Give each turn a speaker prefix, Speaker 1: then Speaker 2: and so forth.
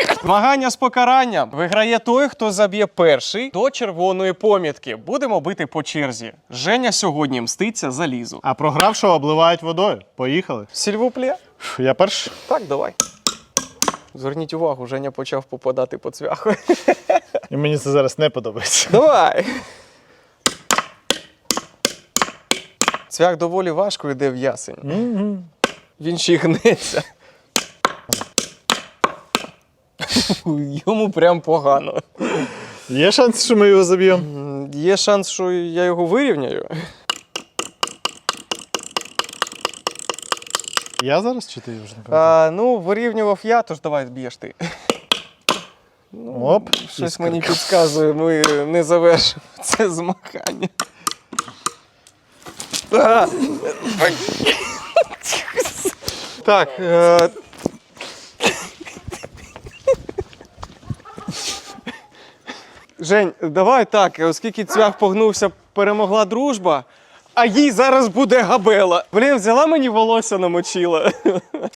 Speaker 1: Змагання з покаранням. Виграє той, хто заб'є перший до червоної помітки. Будемо бити по черзі. Женя сьогодні мститься за Лізу.
Speaker 2: А програвшого обливають водою. Поїхали.
Speaker 1: Сільвуплє?
Speaker 2: Я перший.
Speaker 1: Так, давай. Зверніть увагу, Женя почав попадати по цвяху.
Speaker 2: І мені це зараз не подобається.
Speaker 1: Давай! Цвях доволі важко йде в ясень. Він ще й гнеться. Йому прям погано.
Speaker 2: Є шанс, що ми його заб'ємо?
Speaker 1: Є шанс, що я його вирівняю.
Speaker 2: Я зараз чи ти вже не пам'ятаю?
Speaker 1: Ну, вирівнював я, тож давай б'єш ти.
Speaker 2: Оп.
Speaker 1: Щось мені підказує, ми не завершимо це змагання. Так. Жень, давай так, оскільки цвях погнувся, перемогла дружба, а їй зараз буде габела. Блін, взяла мені волосся намочила.